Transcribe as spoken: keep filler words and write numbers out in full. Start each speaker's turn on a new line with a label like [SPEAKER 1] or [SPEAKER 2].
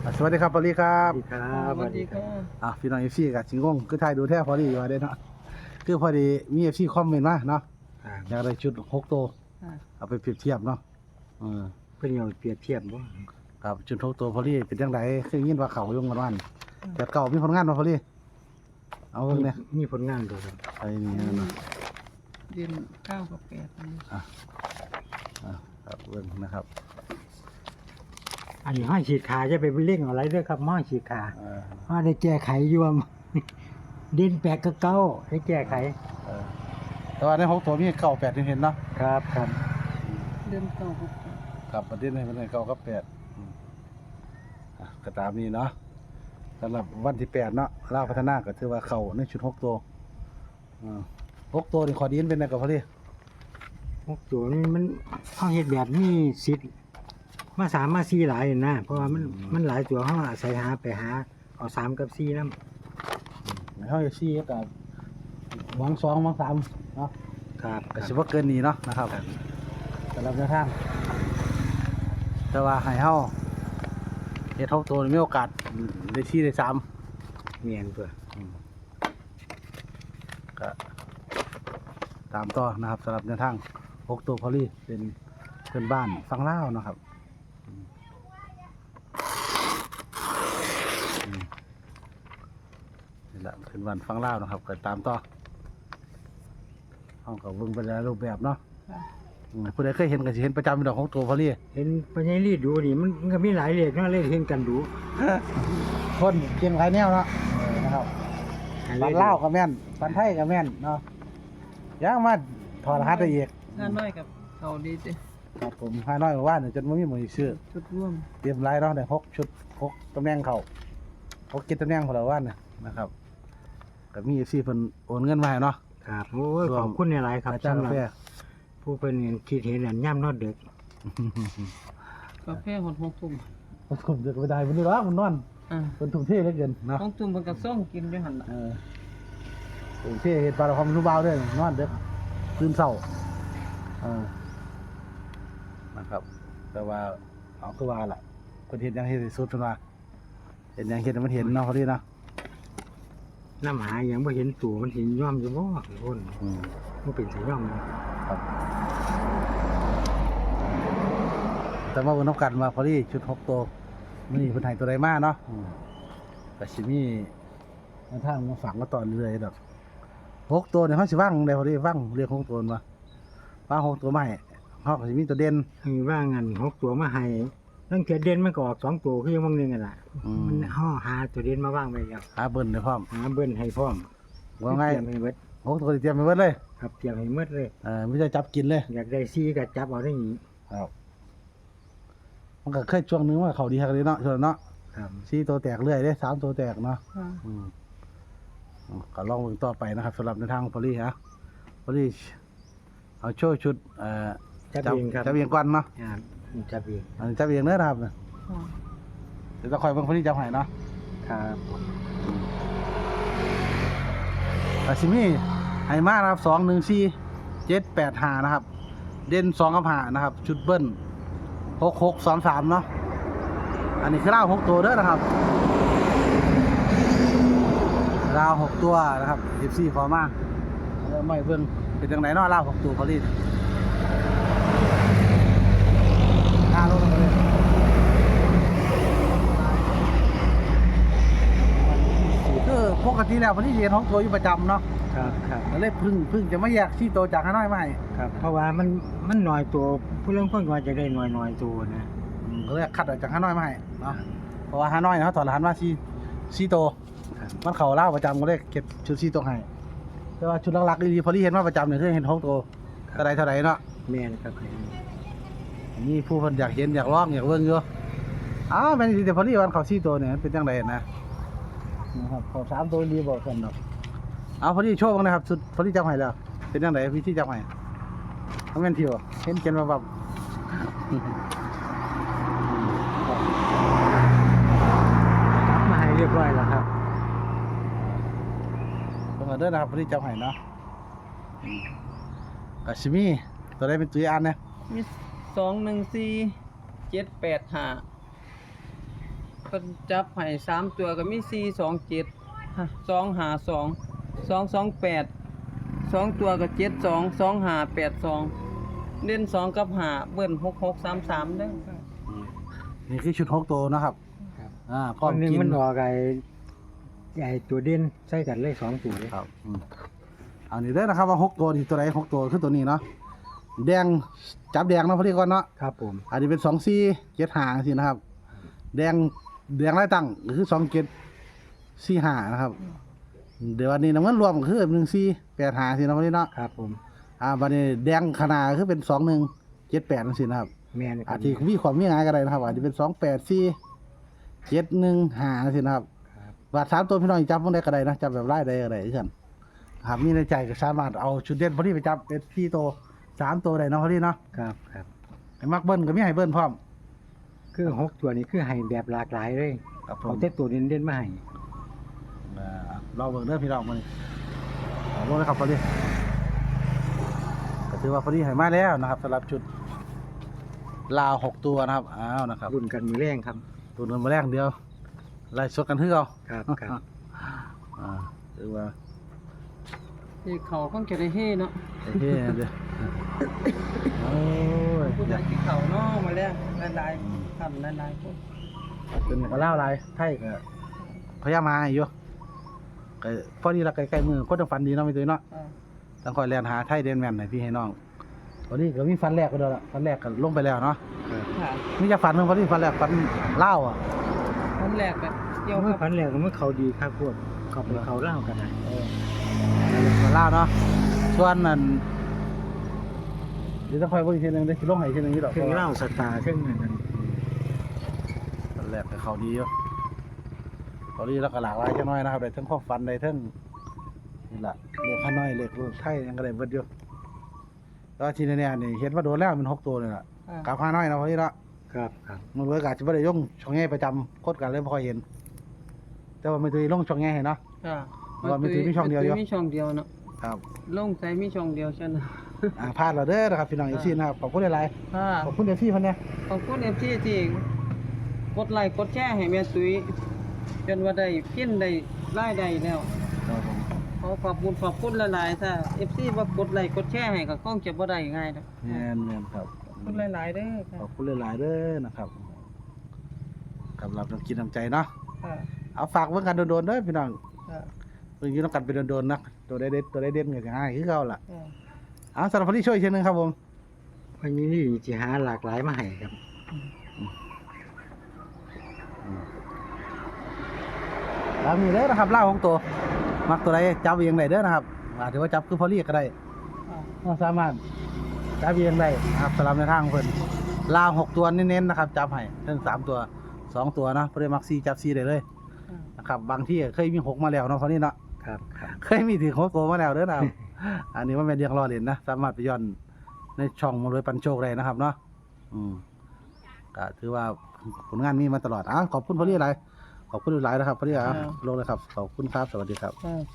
[SPEAKER 1] สวัสดีครับพอลี่ครับ
[SPEAKER 2] สวัสดีครับ
[SPEAKER 3] สวัสดีค่ะ
[SPEAKER 1] อ่ะพี่น้องเอฟซีกับจิงงงคือไทยดูแท้พอลี่อยู่ว่าได้เนาะคือพอดีมีเอฟซีคอมเมนต์มาเนาะอยากได้ชุดหกตัวเอาไปเปรียบเทียบเนาะเออ
[SPEAKER 2] เพื่อนเอาเปรียบเทียบว่า
[SPEAKER 1] กับชุดหกตัวพอลี่เป็นยังไงคือยินว่าเขายุ่งกันวันแต่เก่ามีผลงานมาพอลี่เอาเบิ่งเนี่ย
[SPEAKER 2] มีผลงานตัวครับ
[SPEAKER 1] ไอ้นี่เนาะ
[SPEAKER 3] เดือนเก้ากับแปดนี่
[SPEAKER 1] อ่ะอ่ะครับเบิ่งนะครับ
[SPEAKER 2] อันนี้ห้อยฉีดขาจะไปเร่งอะไรด้วยครับห้อยฉีดขา
[SPEAKER 1] เออ
[SPEAKER 2] ห้อยได้แก้ไขยวม ดินแปลกกระเก้าได้แก้ไข
[SPEAKER 1] เออแต่ว่าในหกตัวมีเก่าแปดที่เห็นเนาะ
[SPEAKER 2] ครับครับ
[SPEAKER 3] เดือนเก้ากับแปด
[SPEAKER 1] ครับประเด็นในประเด็นเก่ากับแปดอืมอ่ะก็ตามนี้เนาะสำหรับวันที่แปดเนาะล่าวพัฒนาก็ถือว่าเขาในชุดหกตัวอ่าหกตัวนี่ขอดีนเป็นไงกับพอลี่
[SPEAKER 2] พวกตัวนี้มันห้องเฮ็ดแบบมีสิทธิ์มาสามมาสี่หลายนะเพราะว่ามันมันหลายตัวห้องอาศัยหาไปหาเอาสามกับสี่น้
[SPEAKER 1] ในห้องเอซี่กับหวังสองหวังสามเนาะ
[SPEAKER 2] ำครับ
[SPEAKER 1] ก็สิว่าเกินนี้เนาะนะครับสำหรับแนวทางแต่ว่าให้เฮาเฮ็ดหกตัวนี่มีโอกาสได้ที่ได้สาม
[SPEAKER 2] เมียนเพื่อ
[SPEAKER 1] ก็ตามต่อนะครับสำหรับแนวทางหกตัวพอลี่เป็นเพื่อนบ้านฟังเล่าวเนาะครับอืมอืมนี่แหละเพื่อนบ้านฟังเล่าวนะครับก็ตามต่อห้องกับเบิ่งไปแล้วรูปแบบเนาะ
[SPEAKER 3] ค่ะ
[SPEAKER 1] อืมผู้ใดเคยเห็นก็สิเห็นประจำเป็นดอกของตัวพอลี่
[SPEAKER 2] เห็นปัญญาลีดดูนี่มันมันก็มีหลายเลขเนาะเลขเห็นกันดู
[SPEAKER 1] คนเก่งหลายแนวเนาะเออนะครับปันเล่าวก็แม่นปันไทยก็แม่นเนาะย่างมาถอดรหัสได้อีก
[SPEAKER 3] งานน้อยกับเขาดีสิ
[SPEAKER 1] ครับผมห้าน้อยกว่าว่าเนี่ยจนไม่มีหมวยชื่อ
[SPEAKER 3] ชุดร่วม
[SPEAKER 1] เตรียมรายเนาะได้หกชุดหกตำแหน่งเขาหกเจ็ดตำแหน่งของเราว่าเนี่ยนะครับก็มีซี่เพิ่นโอนเงินมาให้เนาะ
[SPEAKER 2] ครับโอ้ยขอบคุณในหลายๆครับ
[SPEAKER 1] อาจารย์
[SPEAKER 2] สำหรับ
[SPEAKER 1] กาแฟ
[SPEAKER 2] ผู้เป็นคิดเห็นอันย่ำนอดเด็ก
[SPEAKER 3] กาแฟหดหกทุ่ม
[SPEAKER 1] ผมจะไปได้มันนี่หรอกมันนอน
[SPEAKER 3] อ่า
[SPEAKER 1] เป็นทุ่มเท่เหลือเกินเนาะ
[SPEAKER 3] ต้องทุ่มมันกับซ่องกินอยู่หันละ
[SPEAKER 1] เออทุ่มเท่เห็นปลาความรู้เบาด้วยนอนเด็กตื่นเศร้าเออนะครับ แต่ว่าเอาคือว่าล่ะคนเห็นยังเห็นที่สุดเพิ่นว่าเห็นยังเห็นมันเห็นเนาะพอดีเนาะ
[SPEAKER 2] น้ำหายังไม่เห็นตัวมันเห็นย่อมจะบ่คน
[SPEAKER 1] อืม
[SPEAKER 2] มันเป็นสีย่อมเลย
[SPEAKER 1] ครับแต่ว่าบนน้ำกันมาพอดีชุดหกตัวมันนี่คนไทยตัวใดมาเนาะอืมแต่ชิมีในทางมาฝังมาต่อเรื่อยๆดอกหกตัวเนี่ยเขาสิว่างได้พอดีว่างเรียกหกตัวมาว่างหกตัวใหม่เขาก็สิมีตัวเด่น
[SPEAKER 2] มีว่างันหกตัวมาให้ตั้งแต่เด่นมันก็ออกสองตัวคือยังบางหนึงกันล่ะ
[SPEAKER 1] อืม
[SPEAKER 2] มันห่อหาตัวเด่นมาว่างไปแล้ว
[SPEAKER 1] หาเบิ้ลได้พร้อม
[SPEAKER 2] หาเบิ้ลให้พร้อม
[SPEAKER 1] ว่าไง
[SPEAKER 2] เตรียมให้เบิด
[SPEAKER 1] หกตัวนี่เตรียมไปเบิดเลย
[SPEAKER 2] ครับเตรียมให้หมดเลย
[SPEAKER 1] เออไม่ใช่จับกินเลย
[SPEAKER 2] อยากได้ซีก็จับเอาได้นี้
[SPEAKER 1] ครับมันก็เคยช่วงนึงว่าเขาดีฮักเลยเนาะช่วงนั้นเนาะ
[SPEAKER 2] ครับ
[SPEAKER 1] สี่ตัวแตกเรื่อยได้สามตัวแตกเนาะ
[SPEAKER 3] ค่ะ
[SPEAKER 1] อืมอืมก็ลองเบิ่งต่อไปนะครับสำหรับในทางพอลี่ฮะพอลี่เอาโชว์ชุดเอ่อ
[SPEAKER 2] จับเองครับ
[SPEAKER 1] จับเองก่อนเนาะ
[SPEAKER 2] ครับจับเอง
[SPEAKER 1] อันนี้จับเองเด้อนะครับ
[SPEAKER 3] ค่ะ
[SPEAKER 1] เดี๋ยวจะคอยเบิ่งพอลี่จับให้เนาะ
[SPEAKER 2] ครับ
[SPEAKER 1] อาซิมี่ไฮมานะครับสองหนึ่งสี่เจ็ดแปดห้านะครับ เด่นสองกับห้านะครับ ชุดเบิ้ลหกหกสามสามเนาะอันนี้คือราวหกตัวเด้อนะครับราวหกตัวนะครับสิบสี่พอมากแล้วไม่เบิ่งเป็นจังไหนเนาะราวหกตัวพอลี่ห้าลงมาเลยคือปกติแล้วพอลี่เรียนหกตัวอยู่ประจำเนาะ
[SPEAKER 2] ครับครับ
[SPEAKER 1] ก็เลยพึ่งพึ่งจะไม่แยกที่โตจากข้างน้อยไม่
[SPEAKER 2] ครับ เพราะว่ามันมันหน่อยตัวผู้เล่นคนก็จะได้หน่อยหน่อยตัวนะ
[SPEAKER 1] อืมก็เลยคัดออกจากข้างน้อยไม่เนาะเพราะว่าข้างน้อยเนาะถอดรหัสมาซีซีโต
[SPEAKER 2] ครับ
[SPEAKER 1] มันเข่าเล่าประจำก็เลยเก็บชุดซีโตให้แต่ว่าชุดหลักๆดีๆพอที่เห็นมาประจำเนี่ยคือเห็นหกตัวเท่าไรเท่าไรเนาะ
[SPEAKER 2] แม่นครับ
[SPEAKER 1] นี่ผู้คนอยากเห็นอยากลองอยากเบิ่งอยู่อ้าวแม่นสิแต่พอที่วันเขาซีโตเนี่ยเป็นจังไดนะนะครับเขาสามตัวดีบอกกันดอกเอาพอที่โชว์บ้างนะครับสุดพอที่จับให้แล้วเป็นจังไดพี่ที่จับให้ทำแม่นเที่ยวเห็นเขียนมาแบบ
[SPEAKER 2] มาให้เรียบร้อยแล้วครับ
[SPEAKER 1] เบิ่งเอาเด้อนะครับพอที่จับให้เนาะอืมกาชิมีตัวใดเป็นตัวอันเนี่ย
[SPEAKER 3] มีสองหนึ่งสี่เจ็ดแปดห้าเพิ่นจับให้สามตัวก็มีสี่สองเจ็ดสองห้าสองสองสองแปดสองตัวก็เจ็ดสองสองห้าแปดสองเล่นสองกับห้าเบิ้ลหกหกสามสามเด้อค่ะ
[SPEAKER 1] นี่คือชุดหกตัวนะครับ
[SPEAKER 2] ครับ
[SPEAKER 1] อ่า
[SPEAKER 2] ค
[SPEAKER 1] ก้อน
[SPEAKER 2] นหนึง
[SPEAKER 1] กิน
[SPEAKER 2] มันออกไอ้ไอ้ตัวเด่นใส่กันเลยสองตัวเลย
[SPEAKER 1] ครับอืมเอานี่เด้อนะครับว่าหกตัวนี่ตัวไหนหกตัวคือตัวนี้เนาะแดงจับแดงเนาะพอดีก่อนเนาะ
[SPEAKER 2] ครับผม
[SPEAKER 1] อันนี้เป็นสองสี่เจ็ดหาสินะครับ แดงแดงไล่ตั้งก็คือสองเจ็ดสี่หานะครับ เดี๋ยววันนี้น้ำเงินรวมก็คือหนึ่งสี่แปดหาสินะพอดีเนาะ
[SPEAKER 2] ครับผม
[SPEAKER 1] อ่าวันนี้แดงขนาดคือเป็นสองหนึ่งเจ็ดแปดสินะครับ
[SPEAKER 2] แม่นครั
[SPEAKER 1] อา
[SPEAKER 2] บ
[SPEAKER 1] ทิมีความมีงานกันได้นะครับอาจจะเป็นสองแปดสี่เจ็ดหนึ่งหาสินะครับ
[SPEAKER 2] ครับ
[SPEAKER 1] บาทสามตัวพี่น้องจับพวกได้ก็ได้นะจับแบบไล่ได้ก็ได้เช่นครับมีในใจก็สามารถเอาชุดเด่นพอดีไปจับเป็นพี่โตสามตัวได้เนาะพอดีเนาะ
[SPEAKER 2] ครับครับ
[SPEAKER 1] ไอ้มักเบิ้ลก็มีให้เบิ้ลพร้อม
[SPEAKER 2] คือหกตัวนี้คือให้แบบหลากหลายเลย
[SPEAKER 1] ครับผ
[SPEAKER 2] เอา
[SPEAKER 1] ม
[SPEAKER 2] แต่ตัวเด่นๆมาให้
[SPEAKER 1] อ่าเราเบิ่งเด้อพี่น้องมานี่เอาลงเลยครับพอดีก็ถือว่าพอดีให้มาแล้วนะครับสำหรับชุดลาวหกตัวนะครับอ้าวนะครับ
[SPEAKER 2] รุ่นกันมือแรงครับ
[SPEAKER 1] ตัวนึงมาแรกเดียวไล่สดกันคือเอา
[SPEAKER 2] ครับครับ
[SPEAKER 1] อ่าถือว่า
[SPEAKER 3] ที่เขาคงจะได้เฮ่เนาะ
[SPEAKER 1] โอเคเดี๋ยวโอ้ย
[SPEAKER 3] ผู้
[SPEAKER 1] อ
[SPEAKER 3] ใด
[SPEAKER 1] ยาก
[SPEAKER 3] ที่เขาเนาะมาแล้วหลายๆทำหลายๆคน
[SPEAKER 1] เป็นก็เล่าอะไรไทยก็พยายามมาอยู่ก็พอดีละใกล้ๆมือก็ต้องฟันดีเนาะไม่ตื่นเนาะ
[SPEAKER 3] อ่า
[SPEAKER 1] ต้องคอยเรียนหาไทยเดนแมนให้พี่ให้น้องตอนนี้ก็มีฟันแรกก็เด้อละฟันแรกก็ลงไปแล้วเนาะ
[SPEAKER 3] ค่ะ
[SPEAKER 1] นี่จะฟันเพิ่งพอดีฟันแรกฟันเล่าวอ่ะ
[SPEAKER 3] คนแรกก็เกี่ยว
[SPEAKER 2] เมื่อ
[SPEAKER 3] กับ
[SPEAKER 2] พันแรกก็เมื่อเขาดีครับพวกเขาไปเขาเล่ากันนะ
[SPEAKER 1] เออฟันเล่าวเนาะส่วนนั้นเดี๋ยวต้องคอยเบิ่งอีกทีหนึงเดี๋ยวสิลงให้อีกทีหนึงนี่ดอก
[SPEAKER 2] เครื่องเล่าสตาร์เครื่องนั้น
[SPEAKER 1] ฟันแรกก็เขาดีอยู่พอดีแล้วก็หลากหลายจังน้อยนะครับได้ทั้งข้อฟันได้ทั้งนี่ล่ะเล็กข้าน้อยเล็กรุ่นไทยยังก็ได้เบิดอยู่แล้วทีนี้เนี่ยนี่เห็นว่าโดนแล้วมันหกตัวเลยล่ะ
[SPEAKER 3] อ่า
[SPEAKER 1] กับข้าน้อยนะพอดีเนาะ
[SPEAKER 2] ครับครับ
[SPEAKER 1] มันเบิดกาจะไม่ได้ย่งช่องแง่ประจำโคตรกันเลยไม่ค่อยเห็น แต่ว่าไม่ถือลงช่องแง่เห็นเนาะ
[SPEAKER 3] ค่ะ
[SPEAKER 1] ว่ามันถือมีช่องเดียวอยู่
[SPEAKER 3] มันถืมีช่องเดียวเนาะ
[SPEAKER 1] ครับ
[SPEAKER 3] ลงใจมีช่องเดียวฉันน่ะ
[SPEAKER 1] อ่าพลาดเราเด้อนะครับพี่น้องอีกทีนะครับขอบคุณหลาย
[SPEAKER 3] ค่ะ
[SPEAKER 1] ๆขอบคุณเดฟซี่พันเนี่ย
[SPEAKER 3] ขอบคุณเอฟซีที่กดไลค์กดแชร์ให้แม่ตุ้ยจนว่าได้กินได้รายได้แล้ว
[SPEAKER 1] ครับผม
[SPEAKER 3] ขอขอบคุณขอบคุณหลายๆถ้า เอฟ ซี บ่กดไลค์กดแชร์ให้ก็คงจะบ่ได้ง่ายดอก
[SPEAKER 1] แม่นแม่นครับ
[SPEAKER 3] ขอบคุณหลายๆเด้อค่ะ
[SPEAKER 1] ขอบคุณหลายๆเด้อนะครับกำลับน้ำกินน้ำใจเนาะ
[SPEAKER 3] ค่ะ
[SPEAKER 1] เอาฝากเบิ่งกันโดนๆเด้อพี่น้อง
[SPEAKER 3] ค่ะ
[SPEAKER 1] เบิ่งอยู่ต้องกันเป็นโดนๆนะตัวได้เด็ดตัวได้เด่นก็จะง่ายคือเก่าล่ะ
[SPEAKER 3] ค่ะ
[SPEAKER 1] เอาสำหรับคนที่ช่วยอีกทีหนึงครับผม
[SPEAKER 2] วันนี้นี่จะหาหลากหลายมาให้ครับ
[SPEAKER 1] แล้วมีเด้อนะครับล่าของตัวมักตัวใดจับเองได้เด้อนะครับอาจจะว่าจับคือพอลี่ก็ได้
[SPEAKER 3] ค่ะ
[SPEAKER 1] ก็สามารถจับเองได้นะครับสำหรับในทางของเพิ่นล่างหกตัวเน้นๆนะครับจับให้ทั้งสามตัวสองตัวนะเพื่อมักซีจับซีได้เลย
[SPEAKER 3] ค่ะ
[SPEAKER 1] นะครับบางที่เคยมีหกมาแล้วเนาะเขานี่เนาะ
[SPEAKER 2] ครับครับ
[SPEAKER 1] เคยมีถึงหกตัวมาแล้วเด้อนะครับ อันนี้ว่าเป็นเรียงรอเล่นนะสามารถไปย้อนในช่องมารวยปันโชคได้นะครับเนาะอืมก็ถือว่าผลงานมีมาตลอดอ่ะขอบคุณพอลี่หลายขอบคุณหลายนะครับพอลี่อ่ะลงเลยครับขอบคุณครับสวัสดีครับ
[SPEAKER 3] ค่ะ